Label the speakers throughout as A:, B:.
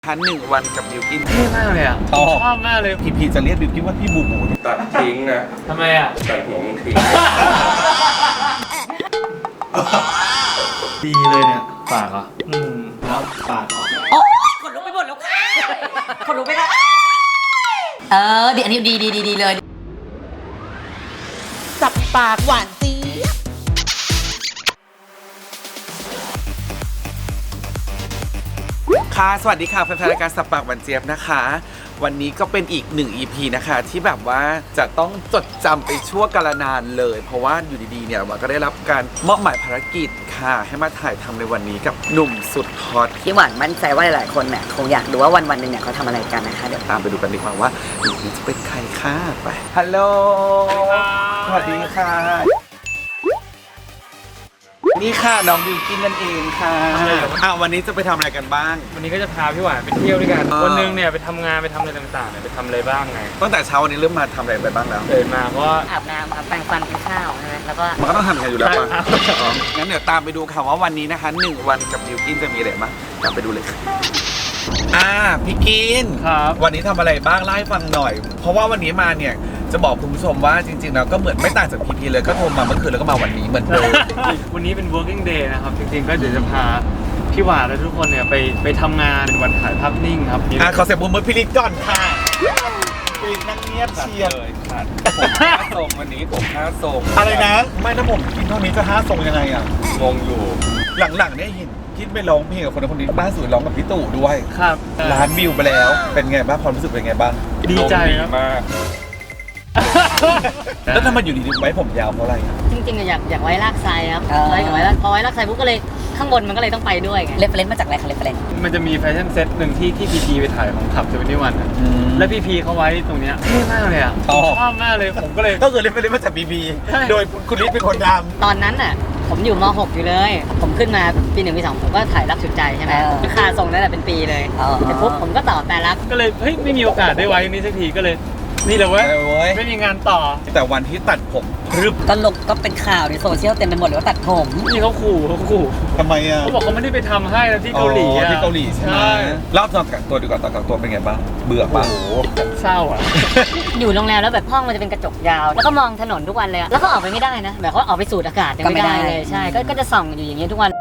A: ทัน1 วันกับบิวกิน
B: เท่มากเลยอ่ะชอบมากเลย
A: พีจะเรียกบิวกินว่าพี่บูบู
C: ตัดทิ้งนะ
B: ทำไมอ่ะ
C: ตัดหัวมึงทิ้ง
B: ดีเลยเนี่ยปากเหรอแล้วปากเหรอ
D: โอ๊ยขนลุกไปหมดแล้วค่ะขนลุกไปแล้วดีอันนี้ดีเลยสับปากหวานเจี๊ยบ
A: ค่ะสวัสดีค่ะแฟนๆรายการสับปากหวานเจี๊ยบนะคะ วันนี้ก็เป็นอีก1 EP นะคะที่แบบว่าจะต้องจดจำไปชั่วกาลนานเลย เพราะว่าอยู่ดีๆเนี่ยมันก็ได้รับการมอบหมายภารกิจค่ะให้มาถ่ายทำในวันนี้กับหนุ่มสุดฮอต
D: พี่หวานมั่นใจว่าหลายๆคนเนี่ยคงอยากดูว่าวันๆหนึ่งเนี่ยเขาทำอะไรกันนะคะเดี๋ยว
A: ตามไปดูกันดีกว่าว่าหนุ่มนี้จะเป็นใครค่ะไปฮัลโหลสวัสดีค่ะนี่ค่ะน้องบิวกินนั่นเองค่ะวันนี้จะไปทำอะไรกันบ้าง
B: วันนี้ก็จะพาพี่หวานไปเที่ยวด้วยกัน
A: อ่า
B: วันหนึงเนี่ยไปทำงานไปทำอะไรต่างๆเนี่ยไปทำอะไรบ้างไง
A: ตั้งแต่เช้าวันนี้เริ่มมาทำอะไรไปบ้างแล้ว
B: ตื่นมาก็
D: อาบน้ำครับแปรงฟันกินข้าวใช่ไหมแล้วก็
A: มันก็ต้องทำอย่างนั้นอยู่แล้วป่ะ
B: ครับ
A: อ๋องั้นเดี๋ยวตามไปดูค่ะว่าวันนี้นะคะ1 วันกับบิวกินจะมีอะไรบ้างตามไปดูเลยค่ะพี่กิน
B: ครับ
A: วันนี้ทำอะไรบ้างเล่าให้ฟังหน่อย เพราะว่าวันนี้มาเนี่ยจะบอกคุณผู้ชมว่าจริงๆแล้วก็เหมือนไม่ต่างจากพีเลยก็โทรมาเมื่อคืนแล้วก็มาวันนี้เหมือนเดิม
B: วันนี้เป็น working day นะครับจริงๆก็เดี๋ยวจะพาพี่หวานและทุกคนเนี่ยไปทำงานเป็นวันถ่ายภาพนิ่งครับ
A: ขอเสียงปรบมือพี่ลิศก่อนค่ะพี่ลิศนั่งเงียบเชียร์
C: เลยขาดผม5 ทรงวันนี้ผม5 ทรง
A: อะไรนะไม่ถ้าผมกินเท่านี้จะ5 ทรงยังไงอ่ะ
C: งงอยู่
A: หลังๆเนี่ยเห็นคิดไปร้องเพลงกับคนนี้บ้านสวยร้องกับพี่ตู่ด้วย
B: ครับ
A: ล้านวิวไปแล้วเป็นไงบ้างความรู้สึกเป็นไงบ้าง
B: ดีใจ
C: ดี
B: ครับ
C: มาก
A: แล้วทำไมอยู่ดีๆไว้ผมยาวเพราะอะไรอะ
E: จริงๆอะอยากไว้ลากไซครับไว้กับไว้ลากพอไว้ลากไซปุ๊บก็เลยข้างบนมันก็เลยต้องไปด้วยไง
D: เรฟเฟรนซ์มาจากอะไรคะเรฟเฟรนซ์
B: มันจะมีแฟชั่นเซ็ตหนึ่งที่พีไปถ่ายของขับ71อ่ะแล้วพีเขาไว้ตรงเนี้ยเท่มากเลยอ่ะชอบมากเลยผมก็เลย
A: ก็คือเล่นไปเล่นมาจากบีบี
B: ใช่
A: โดยคุณลิศเป็นคนท
E: ตอนนั้นน่ะผมอยู่ม .6 อยู่เลย ผมขึ้นมาปี 1 ปี 2ผมก็ถ่ายรักสุดใจใช่ไหมราคาส่งนั่นแหละเป็นปีเลยเสร็จปุ๊บผมก็ต่อแต่รัก
B: ก็เลยเฮ้ยไม่มีโอกาสได้ไว้นี้สักทีก็เลยนี่แหละเว้ย
A: ำเว้ย
B: ไม่มีงานต่อ
A: แต่วันที่ตัดผมรึบ
D: ก็เป็นข่าวในโซเชียลเต็มไปหมดเลยว่าตัดผม
B: นี่เขาขู่
A: ทำไมอ่ะ
B: เขาบอกเขาไม่ได้ไปทำให้แล้วที่เกาหลี
A: อ๋อ
B: อ่ะ
A: ที่เกาหลีใช่ไหมเล่าตอนกักตัวดีกว่าตอนกักตัวเป็นไงบ้างเบื่อ
B: โอ้
A: ปะ
B: โหเศร้าอ่ะ
E: อยู่โรงแรมแล้วแบบห้องมันจะเป็นกระจกยาว แล้วก็มองถนนทุกวันเลยอะแล้วก็ออกไปไม่ได้นะแบบเขาออกไปสูดอากาศยังไม่ได้เลยใช่ก็จะส่องอยู่อย่างเงี้ยทุกวัน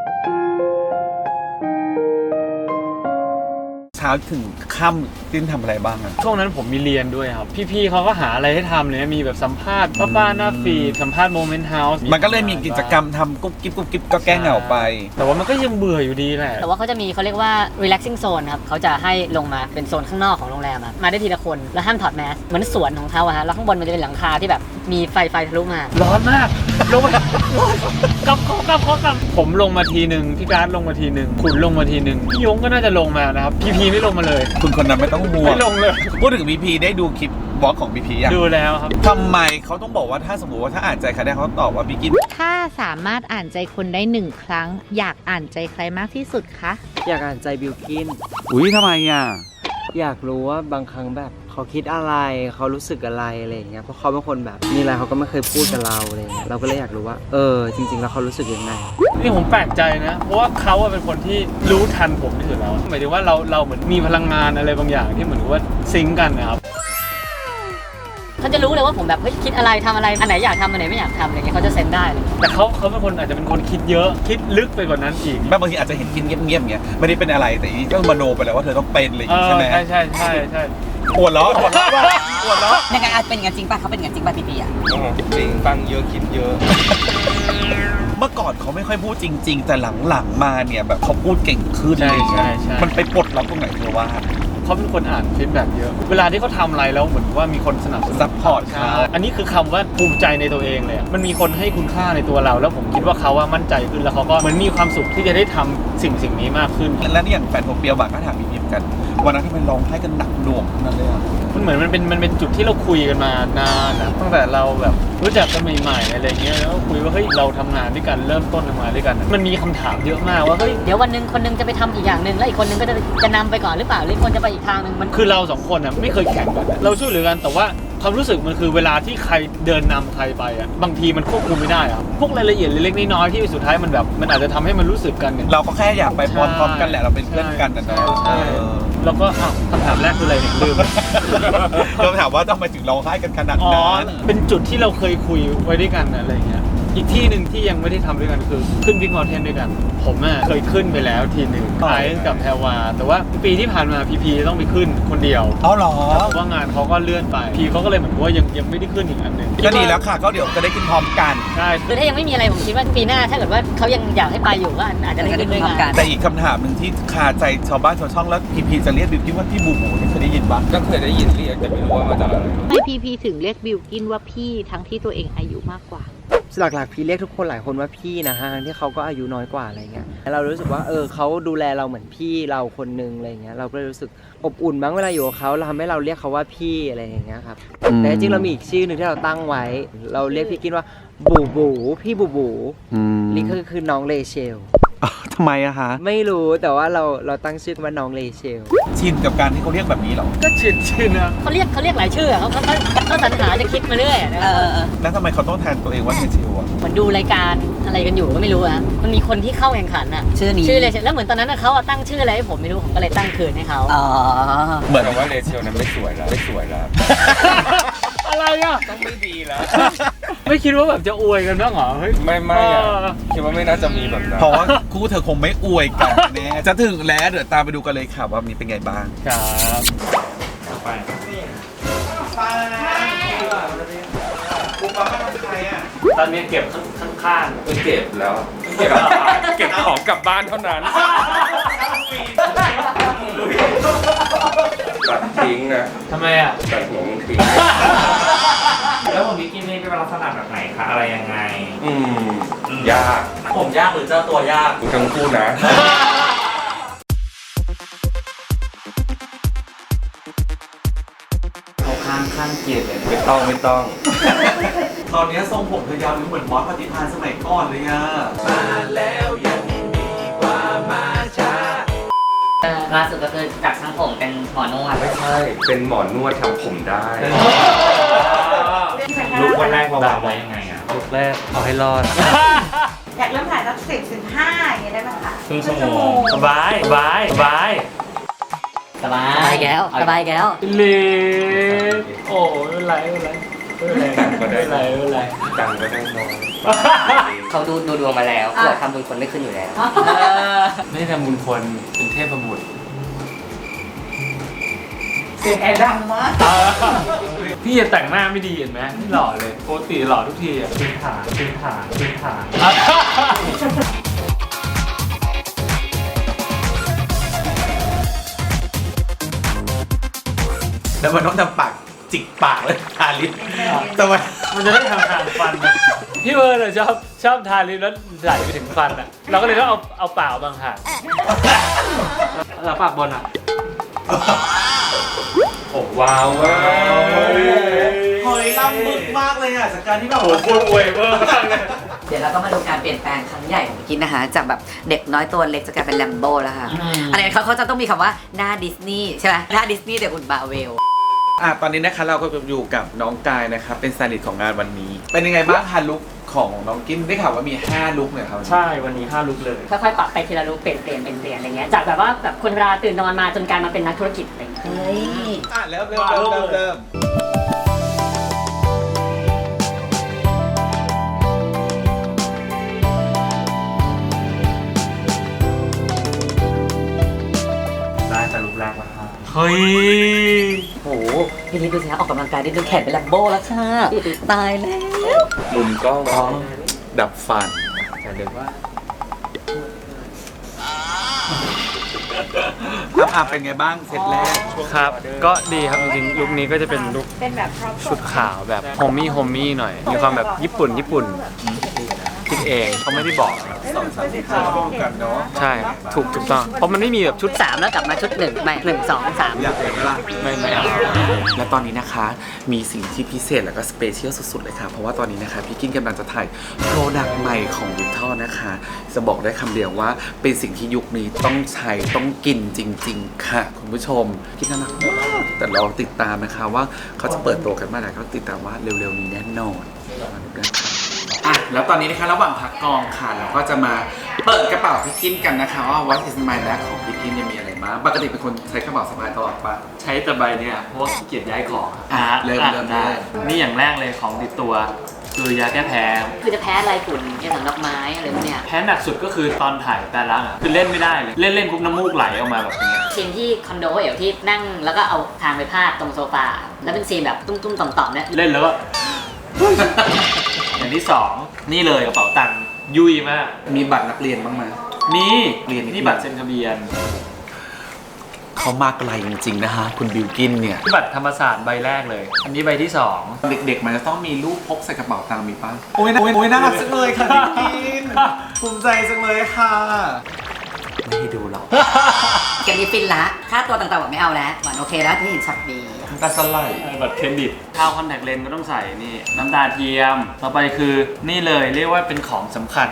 A: เช้าถึงค่ำติ้นทำอะไรบ้างอ่ะ
B: ช่วงนั้นผมมีเรียนด้วยครับ พี่ๆเขาก็หาอะไรให้ทำเลยมีแบบสัมภาษณ์ป้าๆหน้าฟีดสัมภาษณ์โมเมนต์เฮาส์
A: มันก็เลยมีกิจกรรมทำกุ๊บกิ๊บกุ๊บกิ๊บก็แก้เหงาไป
B: แต่ว่ามันก็ยังเบื่ออยู่ดีแหละ
E: แต่ว่าเขาจะมีเขาเรียกว่า relaxing zone ครับเขาจะให้ลงมาเป็นโซนข้างนอกของโรงแรมอะมาได้ทีละคนแล้วห้ามถอดแมสเหมือนสวนของเขาอะฮะแล้วข้างบนมันจะเป็นหลังคาที่แบบมีไฟทะลุมา
B: ร้อนมากลงมากับผมลงมาทีหนึ่งพี่การ์ดลงมาทีหนึ่งขุนลงมาทีหนึ่งพี่ยงก็น่าจะลงมานะครับพีไม่ลงมาเลย
A: คุณคนนั้นไม่ต้องห่วง
B: ไม่ลงเลย
A: พูดถึงบีพีได้ดูคลิปบล็อกของบีพีอ่ะ
B: ดูแล้วครับ
A: ทำไมเขาต้องบอกว่าถ้าสมมติว่าถ้าอ่านใจใครได้เขาตอบว่าบีกิน
F: ถ้าสามารถอ่านใจคนได้1 ครั้ง อยากอ่านใจใครมากที่สุดคะ
G: อยากอ่านใจบิวกิน
A: อุ้ยทำไมอ่ะ
G: อยากรู้ว่าบางครั้งแบบเขาคิดอะไรเขารู้สึกอะไรอะไรอย่างเงี้ยเพราะเขาเป็นคนแบบมีอะไรเขาก็ไม่เคยพูดกับเราอะไรอย่างเงี้ยเราก็เลยอยากรู้ว่าจริงๆแล้วเขารู้สึกยังไง
B: นี่ผมแปลกใจนะ เพราะว่าเขาอะเป็นคนที่รู้ทันผมที่สุดแล้วหมายถึงว่าเราเหมือนมีพลังงานอะไรบางอย่างที่เหมือนกับว่าซิงก์กันนะครับ
E: เขาจะรู้เลยว่าผมแบบเฮ้ยคิดอะไรทำอะไรอันไหนอยากทำอันไหนไม่อยากทำอะไรเงี้ยเขาจะเซนได้เลย
B: แต่เขาเป็นคนอาจจะเป็นคนคิดเยอะคิดลึกไปกว่านั้นอีก
A: บางทีอาจจะเห็นกินเงียบๆเงี้ยไม่ได้เป็นอะไรแต่อีนี่ก็มโนไปแล้วว่าเธอต้องเป็นอะไรอย่างงี้ใช่ไหม
B: ใช่
A: ปวดล้อปวดล้อปวดล้อ
D: ยังไงอาจเป็นอย่างนั้นจริงป่ะเขาเป็นอย่างนั้นจริงป่ะพี่อะ
C: จริงฟังเยอะคิดเยอะ
A: เมื่อก่อนเขาไม่ค่อยพูดจริง ๆ แต่หลังๆมาเนี่ยแบบเขาพูดเก่งขึ้นอะไรอย่างเงี้ยมันไปปลดล็อกตรงไหนเธอว่า
B: เขาเป็นคนอ่านฟีดแบ็กเยอะเวลาที่เขาทำอะไรแล้วเหมือนว่ามีคนสนับสนุน
A: ซัพพอร์ตเขา
B: อันนี้คือคำว่าภูมิใจในตัวเองเลยอะมันมีคนให้คุณค่าในตัวเรา แล้วผมคิดว่าเขาว่ามั่นใจขึ้นแล้วเขาก็เหมือนมีความสุขที่จะได้ทำสิ่งนี้มากขึ้น
A: แล้วนี่อย่างแฟนผมเปียวบากก็ถามบีพีเหมือนกันวันนั้นที่มันร้องไห้กันหนักหน่วงนั่นเลยอ่ะ
B: มันเหมือนมันเป็นจุดที่เราคุยกันมานานนะตั้งแต่เราแบบรู้จักกันใหม่ๆอะไรเงี้ยแล้วก็คุยว่าเฮ้ยเราทำงานด้วยกันเริ่มต้นทำงานด้วยกันอะมันมีคำถามเยอะมากว่าเฮ้ย
E: เดี๋ยววันหนึงคนหนึงจะไปทำอีกอย่างหนึ่งแล้วอีกคนหนึงก็จะนำไปก่อนหรือเปล่าหรือคนจะไปอีกทางหนึ่งมัน
B: คือเราสองคนอ่ะไม่เคยแข่งกันอะเราช่วยเหลือกันแต่ว่าความรู้สึกมันคือเวลาที่ใครเดินนำใครไปอ่ะบางทีมันควบคุมไม่ได้อะพวกรายละเอียดเล็กๆน้อยๆที่สุดท้ายมันแบบมันอาจจะทำให้มันรู้สึกกันเนี่ย
A: เราก็แค่อยากไปพร้อมๆกันแหละเราเป็นเพื่อนกันนะเนาะ
B: ใช่แล้วก็คำถามแรกคืออะไรเนี่ยลืม
A: เราถามว่าต้องไปถึงร้องไห้กันขนาด
B: อ๋อ
A: นั้น
B: เป็นจุดที่เราเคยคุยไว้ด้วยกันอะไรเงี้ยอีกที่หนึ่งที่ยังไม่ได้ทำด้วยกันคือขึ้นบิ๊กมอลเทนด้วยกันผมอ่ะเคยขึ้นไปแล้วทีหนึ่งไอซ์กับแพรวาแต่ว่าปีที่ผ่านมาพีต้องไปขึ้นคนเดียว
A: เอาเหรอ
B: เพราะว่างานเขาก็เลื่อนไปพีเขาก็เลยเหมือนว่ายังไม่ได้ขึ้นอีกอันหนึ่ง
A: ก็ดีแล้วค่ะก็เดี๋ยวจะได้ขึ้นพร้อมกัน
B: ใช่
E: คือถ้ายังไม่มีอะไรผมคิดว่าปีหน้าถ้าเกิดว่าเขายังอยากให้ไปอยู่ก็อาจจะได้ขึ้นด้วยกัน
A: แต่อีกคำถามหนึ่งที่คาใจชาวบ้านชาวช่องแล้วพีจะเรียกบิวกิ้นว่าพี่บูบูเนี่ยเคยได้ยินปะ
C: ก็เคยได้ยินเรียกแต่ไม่รู้ว่ามาจากอะไร
F: ไม่พีถึงเรียกบิลกินว่าพี่ทั้งที่ตัวเองอายุมากกว่า
G: หลักๆพี่เรียกทุกคนหลายคนว่าพี่นะฮะที่เขาก็อายุน้อยกว่าอะไรเงี้ยเรารู้สึกว่าเขาดูแลเราเหมือนพี่เราคนนึงอะไรเงี้ยเราก็เลยรู้สึกอบอุ่นบ้างเวลาอยู่กับเขาเราทำให้เราเรียกเขาว่าพี่อะไรอย่างเงี้ยครับแต่จริงๆเรามีอีกชื่อหนึ่งที่เราตั้งไว้ เราเรียกพี่กินว่าบูบูพี่บูบูนี่คือน้องเลเชล
A: ทำไมอะคะ
G: ไม่รู้แต่ว่าเราตั้งชื่อว่าน้องเลเชล
A: ชินกับการที่เขาเรียกแบบนี้เหรอ
B: ก็ชินนะ
E: เขาเรียกหลายชื่อเขาสรรหาจะคิดมาเรื่อยนะ
A: แล้วทำไมเขาต้องแทนตัวเองว่าเฮชิวอะ
E: เหมือนดูรายการอะไรกันอยู่ก็ไม่รู้อะมันมีคนที่เข้าแข่งขันอะ
D: ชื่อนี้
E: ชื่อเลยแล้วเหมือนตอนนั้นเขาตั้งชื่ออะไรให้ผมไม่รู้ผมก็เลยตั้งคืนให้เขา
D: อ๋อ
A: เหมือน
C: แต่ว่าเรเชลนั้นไม่สวยแล้วไม่สวยแล้ว
B: อะไรอ่ะ
C: ต้องไม่ดีแล้ว
B: ไม่คิดว่าแบบจะอวยกันบ้างเหรอเฮ้ย
C: ไม่อะคิดว่าไม่น่าจะมีแบบนั้น
A: เพราะว่าคู่เธอคงไม่อวยกันแน่จะถึงแล้วเดี๋ยวตามไปดูกันเลยค่ะว่ามีเป็นไงบ้าง
B: ครับไป
A: คุณป้าเป็นใครอ่ะ
B: ตอนนี้เก็บข้าง
C: ไม่เก็บแล้ว เก็บของกลับบ้านเท่านั้นตัดทิ้งนะ
B: ๆทำไมอ่ะ
C: ตัดหัวมึงทิ้ง
H: แล้วผมวิกกี้นี่เป็นลักษณะแบบไหนคะ อะไรยังไง
C: ยาก
H: ผมยากหรือเจ้าตัวยาก
C: กูทั้งคู่นะ
H: เขาข้างเกียรติเลย
C: ไม่ต้อง
A: ตอนนี้ทรงผมเธอยาวเหมือนมอสปฏิภาณสมัยก่อนเลยอ่ะมาแล้วยังดีกว่ามาช้า
D: ล่าสุดก็คือจากช่างผมเป็นหมอนวด
C: ไม่ใช่ เป็นหมอนวดทำผมได้
H: ลุกวันแรกวางไว้ยังไงอ่ะ
B: ลูกแรกเอาให้รอด
I: อยากเริ่มถ่ายสัก10-15อย่างเงี้ยได้ไหมคะ
H: ครึ่งชั่วโมงสบาย
E: สบายแก้วสบายแก้ว
B: เล็กโอ้ไม่เป็นไรไม่เป็นไร
C: ตังค์ก็ได้น้อย
D: เขาดูดวงมาแล้วเขาบอกทำบุญคนไม่ขึ้นอยู่แล้ว
B: ไม่ได้ทำบุญคนเป็นเทพบุตร
I: เสียงแอร์ดังมาก
B: พี่จะแต่งหน้าไม่ดีเห็นไหมไม่หล่อเลยปกติหล่อทุกทีอ่ะพื้นฐาน
A: แล้วมันต้องทำปากจิกปากเลยทาลิปทำไม
B: มันจะได้ทางฟันนะพี่เบิร์ดอะชอบทาลิปแล้วไหลไปถึงฟันอ่ะเราก็เลยต้องเอาปากบางหางแล้วปากบนอ่ะ
C: โอ้ว้าวเว้ย
A: เฮ้ยล้ำบึกมากเลยอ่ะจากการที่แบบ
B: โอ้โหพูดอวยเวอร์มากเลย
D: เดี๋ยวเราก็มาดูการเปลี่ยนแปลงครั้งใหญ่ของกินนะคะจากแบบเด็กน้อยตัวเล็กจะกลายเป็นแลมโบ้แล้วค่ะ อันนี้เขาจะต้องมีคำว่าหน้าดิสนีย์ใช่ไหมหน้าดิสนีย์แต่อุ่นบาเวล
A: ตอนนี้นะคะเราก็อยู่กับน้องกายนะครับเป็นสไตลิสต์ของงานวันนี้ เป็นยังไงบ้างคะลุคของน้องกินได้ข่าวว่ามี5ลุคเนี่ยครับ
B: ใช่วันนี้5ลุกเลย
E: ค่อยๆปรับไปทีละลุกเปลี่ยนอะไรเงี้ยจากแบบว่าแบบคนเวลาตื่นนอนมาจนกลายมาเป็นนักธุรกิจอะไรเงี้ย
D: เฮ้ย
A: เริ่ม
H: ได้แต่ลุกแรกมาค่ะ
B: เฮ้ย
D: โหพี่ลิศดูสิคะออกกำลังกายได้ดูแขนเป็นแลมโบ้แล้วค่ะ ตายแล้ว
C: มุมกล้อง
A: ดับฟัน
B: แต่เดี๋ยวว่า
A: เป็นไงบ้างเซตแรก
B: ครับ ก็ดีครับจริงๆลุคนี้ก็จะเป็นลุค
I: เป็นแบบครอบครัว
B: ชุดขาวแบบโฮมมี่หน่อย มีความแบบญี่ปุ่นเองเขาไม่ได้บอก
A: 2-3 ที่รวมกันเนาะ
B: ใช่ถูกต้องเพราะมันไม่มีแบบชุด
E: 3 แล้วกลับมาชุด 1 ไม่ 1 2 3
A: อยากเห็นไหมล่ะ
B: ไม่เอา
A: และตอนนี้นะคะมีสิ่งที่พิเศษแล้วก็สเปเชียลสุดๆเลยค่ะเพราะว่าตอนนี้นะคะพี่กินกำลังจะถ่ายโปรดักต์ใหม่ของวิทอลนะคะจะบอกได้คำเดียวว่าเป็นสิ่งที่ยุคนี้ต้องใช้ต้องกินจริงๆค่ะคุณผู้ชมคิดน่ารักมากแต่เราติดตามนะคะว่าเขาจะเปิดตัวกันเมื่อไหร่ก็ติดตามว่าเร็วๆนี้แน่นอนอ่ะแล้วตอนนี้นะคะระหว่างพักกองค่ะเราก็จะมาเปิดกระเป๋าพี่กินกันนะคะว่า What is my bag ของพี่กินเนี่ยมีอะไรบ้างปกติเป็นคนใช้กระเป๋าสะพายตลอดปะ
B: ใช้แต่ใบเนี่ยเพราะว่าขี้เกียจย้ายของ
A: เริ่ม
B: ได้
A: เลย
B: นี่อย่างแรกเลยของติดตัวคือยาแก้แพ้
E: คือจะแพ้อะไรฝุ่นแค่ถังดอกไม้อะไรพวกเนี้ย
B: แพ้หนักสุดก็คือตอนถ่ายแต่ละอ่ะคือเล่นไม่ได้เลยเล่นปุ๊บน้ำมูกไหลออกมาแบบนี้
E: ซีนที่คอนโดเอ๋วที่นั่งแล้วก็เอาทางไปพาดตรงโซฟาแล้วเป็นซีนแบบตุ้มๆต่อมๆเนี่ย
B: เล่นแล้วก็ อย่างที่สองนี่เลยกระเป๋าตังค์ยุ่ยมาก
A: มีบัตรนักเรียนบ้างไหม
B: นี่
A: เรียนอีก
B: นี่บัตรเซ็นทะเบียน
A: เขามาไกลจริงๆนะคะคุณบิวกินเนี่ย
B: นี่บัตรธรรมศาสตร์ใบแรกเลย อันนี้ใบที่สอง
A: เด็กๆมันจะต้องมีรูปพกใส่กระเป๋าตังค์มีป่ะโอ้ยน่ารักจังเลยค่ะบิวกินภูมิใจจังเลยค่ะไม่ให้ดูหรอก
D: เกมนี้ฟินละค่าตัวต่างๆหวานไม่เอาแล้วหวานโอเคแล้วที่เห็นช็อตนี้
A: ตาสไลด์
B: บัตรเครดิตข้าวคอนแทคเลนส์ก็ต้องใส่นี่น้ำตาเทียมต่อไปคือนี่เลยเรียกว่าเป็นของสำคัญ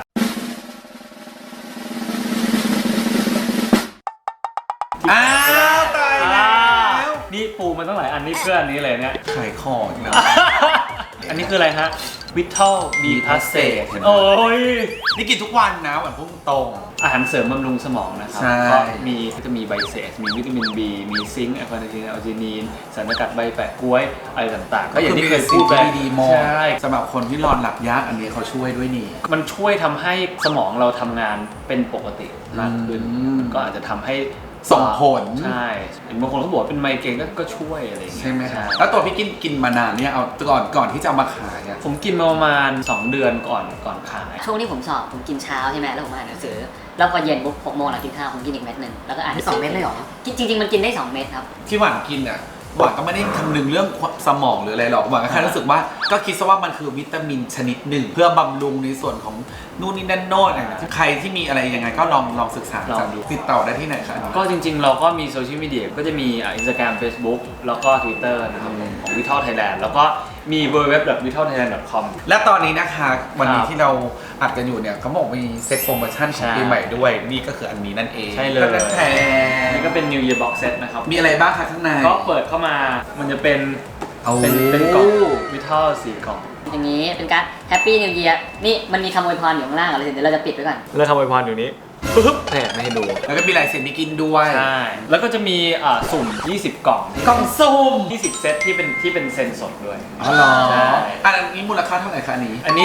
A: อ้าวตายแล้ว
B: นี่ปูมาตั้งหลายอันนี้เพื่ออันนี้เลยเนี่ย
A: ขายของนะ
B: อันนี้คืออะไรฮะวิทอลบีพาสเซ
A: เห็นไหม
B: โอ้ย
A: นี่กินทุกวันนะหวานพุ่งตรง
B: อาหารเสริมบำรุงสมองนะครับ
A: ใช่
B: ก็จะมีไบเซสมีวิตามิน B มีซิงค์แอลคาเนทีนอัลจินีนสารสกัดใบแปะกล้วยอะไรต่างๆ
A: ก็อย่างที่เคยพูดไปดีๆมอง
B: ใช่
A: สำหรับคนที่นอนหลับยากอันนี้เขาช่วยด้วยนี่
B: มันช่วยทำให้สมองเราทำงานเป็นปกติมากขึ้น มันก็อาจจะทำให้
A: ส่งผล
B: ใช่เห็นบางคนเขาบอกว่าเป็นไมเกรนก็ช่วยอะไรอย่างเงี้ย
A: ใช่ไหมคะแล้วตัวพี่กินมานานเนี่ยเอาก่อนที่จะเอามาขายเนี่ย
B: ผมกินมาประมาณ 2 เดือนก่อนขาย
E: ช่วงที่ผมสอบผมกินเช้าใช่ไหมแล้วผมอ่านหนังสือแล้วพอเย็นปุ๊บ6 โมงหลังกินข้าวผมกินอีกเม็ดหนึ่งแล้วก็อ่าน
D: 2 เม็ดเลยเหรอ
E: จริงๆมันกินได้ 2 เม็ดครับ
A: ที่หวานกินอ่ะหวานก็ไม่ได้คำนึงเรื่องสมองหรืออะไรหรอกหวานก็แค่รู้สึกว่าก็คิดซะว่ามันคือวิตามินชนิดหนึ่ง เพื่อบำรุงในส่วนของนู่นนี่นั่นโน่นอะไรใครที่มีอะไรยังไงก็ลองศึกษา
B: ลองดู
A: ติดต่อได้ที่ไหนคะ
B: ก็จริงๆ เราก็มีโซเชียลมีเดียก็จะมี Instagram Facebook แล้วก็ Twitter นะครับของ Vital Thailand แล้วก็มี www.vitalthailand.com
A: และตอนนี้นะคะวันนี้
B: ครับ
A: ที่เราอัดกันอยู่เนี่ยเขาบอกมีเซ็ตโปรโมชั่นของ
B: ใช่
A: ปีใหม่ด้วย นี่ก็คืออันนี้นั่นเอง
B: ใช่เลย
A: ก็แพง
B: นี่ก็เป็น New Year Box Set นะครับ
A: มีอะไรบ้างคะข้างใน
B: ก็เปิดเข้ามามันจะเป็น
A: เอา
B: เป็นกล่อง Vital 4 กล่อง
E: อย่างนี้เป็นการแฮปปี้นิวเยียร์นี่มันมีคำอวยพรอยู่ข้างล่างอะไรเดี๋ยวเราจะปิดไว้ก่อน
B: แล้วทำอวยพรอยู่นี้ปึ๊บแหมไม่ให้ดู
A: แล้วก็มีลายเซ็นพี่กินด้วย
B: ใช่ แล้วก็จะมีสุ่ม 20 กล่อง
A: กล่องซุ่ม
B: 20 เซตที่เป็นเซ็นสดด้วย
A: อ๋อเหรอ
B: ใช่
A: อันนี้มูลค่าเท่าไหร่คะอันนี้
B: อันนี้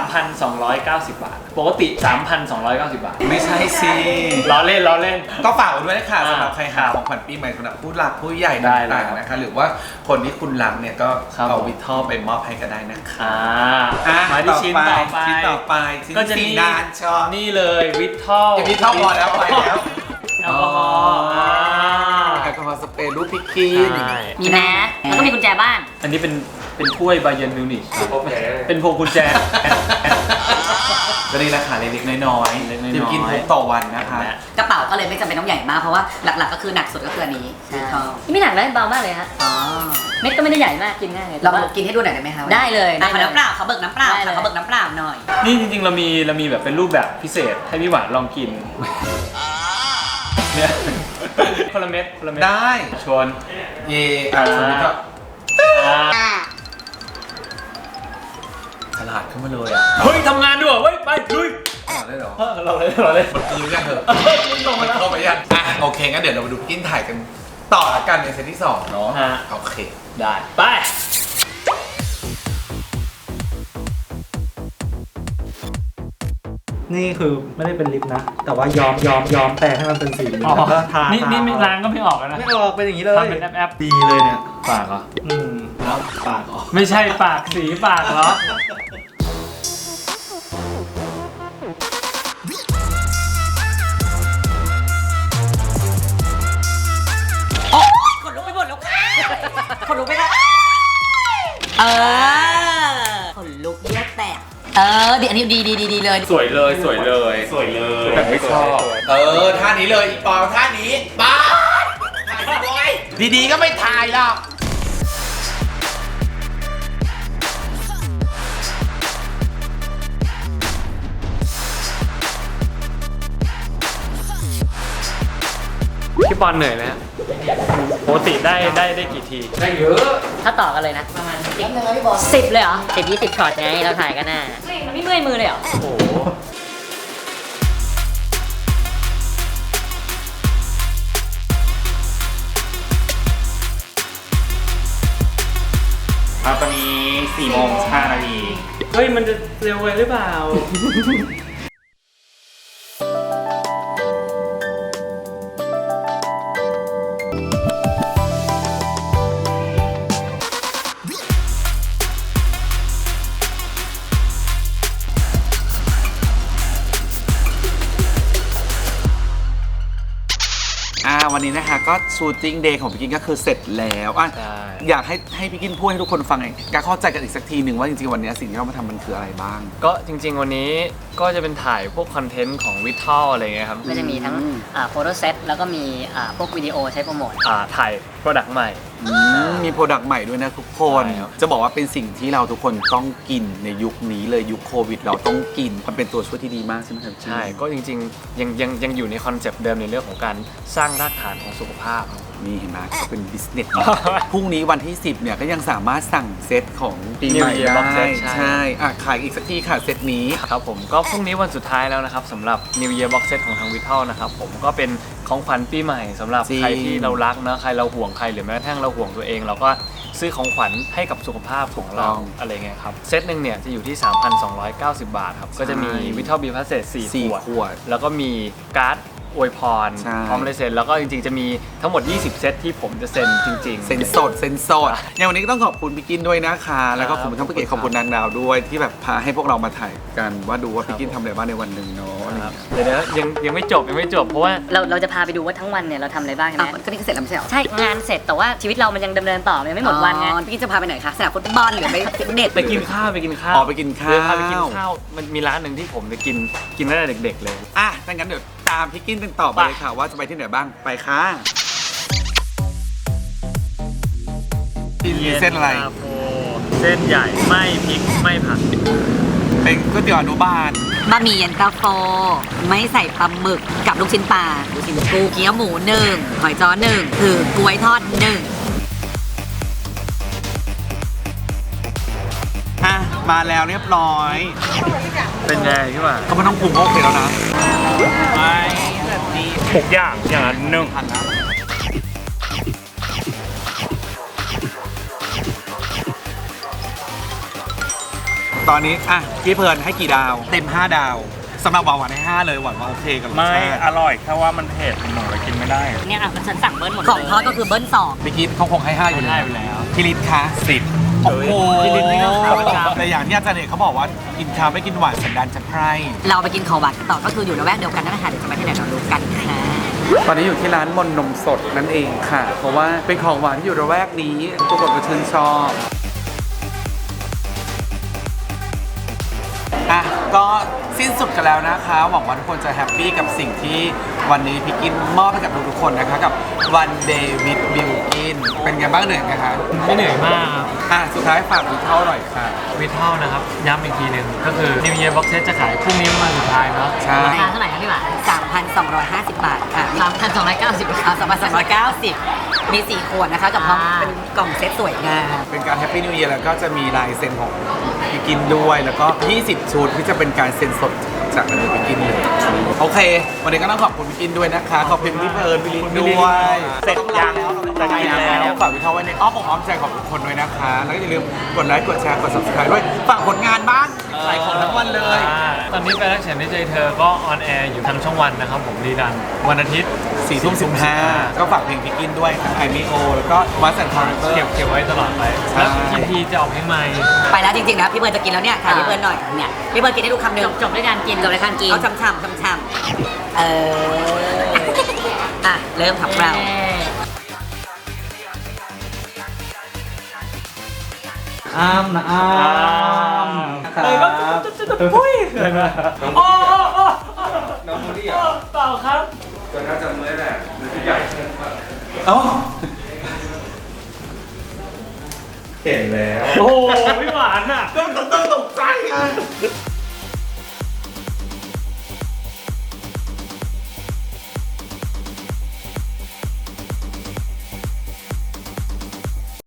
B: 3,290 บาท ปกติ 3,290 บาท
A: ไม่ใช่สิ
B: ล้อเล่น
A: ก็ฝากไว้ด้วยนะคะ
B: อ่า
A: สำหรับใครหาของขวัญปีใหม่สำหรับผู้หลักผู้ใหญ่
B: ได้เลย
A: ต่างๆนะคะ หรือว่าคนที่คุณรักเนี่ยก็
B: ครับ
A: เอาวิททอลไปมอบให้ก็ได้นะคะ
B: มาที่ชิ้นต่อไป
A: ชิ้นต่อไปชิ้น
B: ก็จะ
A: สี
B: นี่
A: นานชอบ
B: นี่เลยวิททอล
A: วิททอลพอแล้วไปแล้ว
B: แอลกอฮอล์
A: แอลกอฮอล์สเปรย์รูปพี่กิน
B: ใช่
E: มีแมสแล้วก็มีกุญแจบ้าน
B: อันนี้เป็นถ้วยบาเยร์นมิวนิชเป็นพวงกุญแจ
A: ก็นี่ราคาเล็กๆน้อยๆ
B: เล็กๆน้อยๆ
A: ที่กินพกต่อวันนะคะ
D: กระเป๋าก็เลยไม่จำเป็นต้องใหญ่มากเพราะว่าหลักๆก็คือหนักสุดก็คืออันนี้
E: นี่ไม่หนักนะเบามากเลยฮะ
D: อ๋อ
E: เม็ดก็ไม่ได้ใหญ่มากกินง่ายเลย
D: ลองกินให้ดูหน่อยได้ไหมคะ
E: ได้เลย
D: ขอน้ำเปล่าเขาเบิกน้ำเปล่า
E: ได้เลย
D: เขาเบิกน้ำเปล่าหน่อย
B: นี่จริงๆเรามีแบบเป็นรูปแบบพิเศษให้พี่หวานลองกินเนี่ยคนละเม็ด
A: ได้
B: ชวน
A: เย่อ่ะสมมติก็ฉลาดขึ้นมาเลยอ่ะ
B: เฮ้ยทำงานด้วยเว้ยไปลุย
A: ฉลาดได้เหรอ
B: เราเลย
A: มันคืนยังเถอะ
B: ลงมาแล้ว
A: เข้าไปยังอ่ะโอเคงั้นเดี๋ยวเรามาดูพี่กินถ่ายกันต่อละกันในเซตที่2เนาะ
B: ฮะ
A: โอเค
B: ได้ไป
J: นี่คือไม่ได้เป็นลิปนะ แต่ว่ายอมแปลงให้มันเป็นสีเหลืองแล้วก็ทา
B: นี่ไม่ล้างก็ไม่ออกแล้วนะ
J: ไม่ออกเป็นอย่างนี้เลย
B: ทำเป็นแอป
J: ดีเลยเนี่ย
B: ปากเหรอ
J: แล้วปากออก
B: ไม่ใช่ปากสีปากเหรอ
D: ขนลุกไปหมดแล้วค่ะขนลุกไปแล้วขนลุกเลือดแตกดีอันนี้ดีเลย
C: สวยเลยสวยเลย
H: สวยเลย
C: แบบไม่ชอบ
A: ท่านี้เลยอีปอท่านี้ป๊าดถ่ายสวยดีๆก็ไม่ถ่ายหรอก
B: พี่บอลเหนื่อยไหมฮะปกติได้กี่ที
C: ได้เยอะ
E: ถ้าต่อกันเลยนะ ประมาณ10เลยเหรอ10-20ช็อตไงเราถ่ายกันน่ะมันไม่เมื่อยมือเลยเหรอ
B: โอ้โห
H: ตอนนี้4 โมง 5 นาที
B: เฮ้ยมันจะเร็วไปหรือเปล่า
A: วันนี้นะคะก็ชูตติ้งเดย์ของพี่กินก็คือเสร็จแล้วอยากให้พี่กินพูดให้ทุกคนฟังการเข้าใจกันอีกสักทีหนึ่งว่าจริงๆวันนี้สิ่งที่เรามาทำมันคืออะไรบ้าง
B: ก็จริงๆวันนี้ก็จะเป็นถ่ายพวกคอนเทนต์ของวิททัลอะไรเงี้ยครับ
E: ก็จะมีทั้งโฟโต้เซตแล้วก็มีพวกวิดีโอใช้โปรโมท
B: ถ่ายโปรดักต์ใหม่
A: มีโปรดักต์ใหม่ด้วยนะทุกคน
B: ใช่ครับ
A: จะบอกว่าเป็นสิ่งที่เราทุกคนต้องกินในยุคนี้เลยยุคโควิดเราต้องกินมันเป็นตัวช่วยที่ดีมากใช่ไหมครับ
B: ใช่ก็จริงๆยังอยู่ในคอนเซปต์เดิมในเรื่องของการสร้างรากฐานของสุขภาพ
A: นี่เห็นไหมก็เป็นบิสเนส พรุ่งนี้วันที่ 10เนี่ยก็ยังสามารถสั่งเซตของปีใหม่
B: New Year
A: ได้
B: Box Set ใช่
A: ใช่ขายอีกสักทีค่ะเซตนี้
B: ครับผมก็พรุ่งนี้วันสุดท้ายแล้วนะครับสำหรับ New Year Box Set ของทางวิททัลนะครับผมก็เป็นของขวัญปีใหม่สำหรับ
A: จริง
B: ใครที่เรารักนะใครเราห่วงใครหรือแม้กระทั่งเราห่วงตัวเอง เราก็ซื้อของขวัญให้กับสุขภาพของเราอะไรเงี้ยครับเซตหนึ่งเนี่ยจะอยู่ที่ 3,290 บาทครับก็จะมีวิททัลบีพาสเซต4
A: 4
B: ข
A: ข
B: ว
A: ว
B: ด
A: ด
B: แล้วก็มีการ์ดอวยพร
A: ใช่
B: พร้อมลายเซ็นแล้วก็จริงๆจะมีทั้งหมด20 เซตที่ผมจะเซ็นจริงๆ
A: เซนสดอย่างวันนี้ก็ต้องขอบคุณพี่กินด้วยนะคะ แล้วก็ขอบคุณทั้งพี่เกดขอบคุณนางดาวด้วยที่แบบพาให้พวกเรามาถ่ายกันว่าดูว่าพี่กินทำอะไรบ้างในวันหนึ่งเนาะอะไรอย่างเงี้ย
B: เดี๋ยวนะยังไม่จบเพราะว่า
E: เราจะพาไปดูว่าทั้งวันเนี่ยเราทำอะไรบ้างใช่ไหม
D: ก็นี่ก็เสร็จแล้วไม่ใช่เหรอ
E: ใช่งานเสร็จแต่ว่าชีวิตเรามันยังดำเนินต่อมันยังไม่หมดวันไง
D: พี่กินจะพาไปไหนคะสนามฟุตบอลหรือไปฟิตเนส
B: ไปกินข้าว
A: อ๋อไปกินข้าว
B: เดี๋ยวพาไปกินข้าวมันมีร้านหนึ่งที่ผมจะกินตั้งแต่เด็กๆเลย
A: ถ้างั้นเดี๋ยวตามพี่กินกันต่อไปเลยค่ะว่าจะไปที่ไหนบ้างไปค่ะกินเส้นอะไร
B: เส้นใหญ่ไม่พริกไม่ผัก
A: เป็นก๋วยเตี๋ยวอนุบาล
D: บะหมี่เย็นตาโฟไม่ใส่ปลาหมึกกับลูกชิ้นปลาลูกชิ้นปูเกี๊ยวหมู1หอยจ้อ1คือกล้วยทอด1
A: มาแล้วเรียบร้อย
B: เป็นไงพี่หว่า
A: เขาไม่ต้องปรุงก็โอเคแล้วนะ
H: ทุกอย่างอย่างละหนึ่ง
A: ทันนะตอนนี้พี่เพลินให้กี่ดาว เต็ม 5 ดาวสำหรับหวานให้ 5 เลยหวานว่าโอเคกับรส
H: ไม่
A: ชาติ
H: อร่อยแค่ว่ามันเผ็ดหนูเลยกินไม่ได้
E: เนี่ยฉันสั่งเบิ้ลหมดเลย
D: ของทอดก็คือเบิ้ล2
A: พี่กินเขาคงให้ 5 อยู่แล้วพี่ลิศคะ
H: 10
A: โอ้โห
B: พี่ลิศนี่ก็ขาวประจำ
A: แต่อย่างที่อาจารย์เอกเขาบอกว่ากินข้าวไม่กินหวานสันดานจะไพร่
D: เราไปกินของหวานกันต่อก็คืออยู่ระแวกเดียวกันนั่นแหละค่ะเดี๋ยวจะไปที่ไหนเรารู้กันค่ะ
A: ตอนนี้อยู่ที่ร้านมนนมสดนั่นเองค่ะ เพราะว่าเป็นของหวานที่อยู่ระแวกนี้ทุกคนก็ชื่นชอบก็สิ้นสุดกันแล้วนะคะ หวังว่าทุกคนจะแฮปปี้กับสิ่งที่วันนี้พี่กินมอบให้กับทุกๆคนนะคะกับ One Day with Bill Gin เป็นไงบ้างเหนื่อยไหมคะ
B: ไม่เหนื่อยมากครับ
A: สุดท้ายฝากวิเท่าหน่อยค่ะ
B: วิททัลนะครับย้ำอีกทีหนึ่งก็คือ New Year Box Set จะขายพรุ่งนี้วันสุดท้ายเนาะ
A: ใช่
E: ราคาเท่าไหร่ครับพี่หวาน
D: 3,250 บาทค่ะ
E: 3,290
D: 3,290 มี 4 ขวดนะคะกับพร้อมเป็นกล่องเซตสวยงาม
A: เป็นการแฮปปี้นิว e ยร์แล้วก็จะมีลายเซ็นของพี่กินด้วย แล้วก็ 20 ชุดที่จะเป็นการเซ็นสดจากนักพี่กินเลย โอเค วันนี้ก็ต้องขอบคุณพี่กินด้วยนะคะ ขอบคุณพี่เพลิร์นพี่ลินด้วย
H: เสร็จยังจะกินแล้ว
A: ฝากวิทาไว้ในอ้อมอกอ้อมใจของทุกคนด้วยนะคะ แล้วก็อย่าลืมกดไลค์กดแชร์กด subscribe ด้วยฝากผลงานบ้างขายของทั้งวันเลย
B: ตอนนี้แฟนรักฉันในใจเธอก็ออนแอร์อยู่ทางช่องวันนะครับผมรีดันวันอาทิตย์
A: 4:15 ก็ฝากเพลงพี่กินด้วยทั้งไอมิโอแล้วก็วัสแอนด์คอร์เนอร์
B: เก็บไว้ตลอดไป
A: ใช่
B: แล้วทีจะออกเพลงใหม่
D: ไปแล้วจริงๆนะพี่เบิร์นจะกินแล้วเนี่ยถ่ายพี่เบิร์นหน่อยเนี่ยพี่เบิร์นกินให้ดูคำหนึ่ง
E: จบด้วยการกิน
D: จบเลยการกินเอาช่ำๆเริ่มของเรา
J: อ้ามนะอ้ามครับ
B: เลยก็จะปุ้ยเลยนะโอ้
A: น้องมูดี้เหรอ
B: เปล่าครับ
A: ก็น่าจะเมื่อยแหละมือใหญ่
J: เอ้า
H: เห็นแล้ว
B: โอ้โหพี่หวานอ่ะ
A: ต้องตกใจ